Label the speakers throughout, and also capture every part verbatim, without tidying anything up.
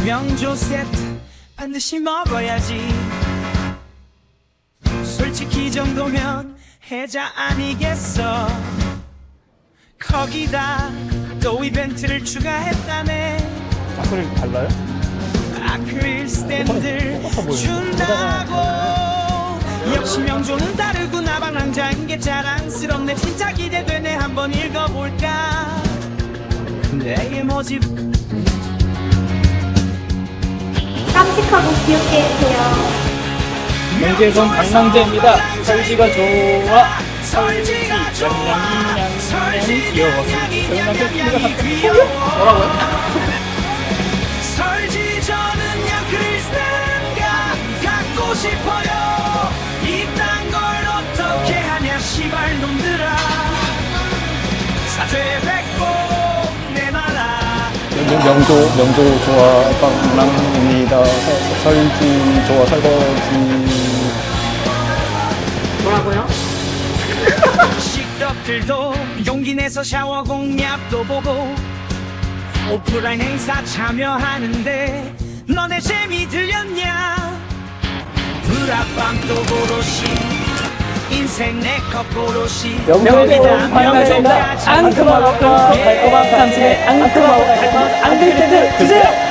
Speaker 1: 명조 세트 반드시 먹어야지. 솔직히 이 정도면 해자 아니겠어. 거기다 또 이벤트를 추가했다네.
Speaker 2: 아크릴 달라요?
Speaker 1: 아크릴 스탠드를 준다고. 역시 명조는 다르고 나방랑자인 게 자랑스럽네. 진짜 기대되네. 한번 읽어볼까. 내게 모집
Speaker 3: 깜찍하고 귀엽게 해주세요.
Speaker 2: 명재선 방랑제입니다. 설지가 좋아. 설지 양양이 양양이 귀여워. 설지 뭐라고요?
Speaker 1: 설지 저는 양크리스탄가 갖고 싶어요. 이딴 걸 어떻게 하냐 시발 놈들아. 사죄 뱉고 내놔라.
Speaker 2: 명조 명조 좋아 방랑입니다. 설지 좋아 설거지.
Speaker 3: 뭐라고요?
Speaker 1: 식덕들도 용기 내서 샤워 공략도 보고 오프라인 행사 참여하는데 너네 재미 들렸냐? 브라빵도 고로시 인생 내컵 고로시
Speaker 2: 명조도 방랑제입니다. 앙큼하고 달콤한 당신의 앙큼하고 달콤한 앙들들 드세요.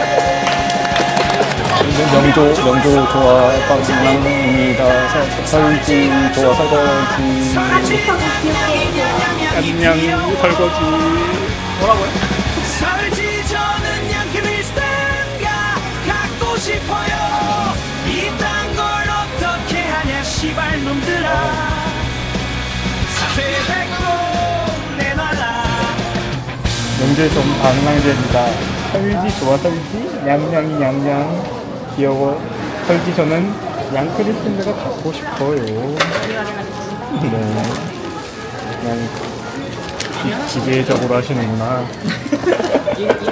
Speaker 2: 명조 명조 좋아 방랑입니다. 설지 좋아 설거지.
Speaker 3: 깜찍하고 귀엽게 해주세요.
Speaker 2: 양양 설거지. 뭐라고요?
Speaker 1: 설지 저는 양크리스탄가 갖고 싶어요. 이딴 걸 어떻게 하냐 시발 놈들아. 사죄 뱉고 내놔라.
Speaker 2: 명재선 방랑제입니다. 설지 좋아 설지 양양이 양양 귀여워. 설지 저는 양크리스탄가 갖고 싶어요. 네. 그냥 기, 기계적으로 하시는구나.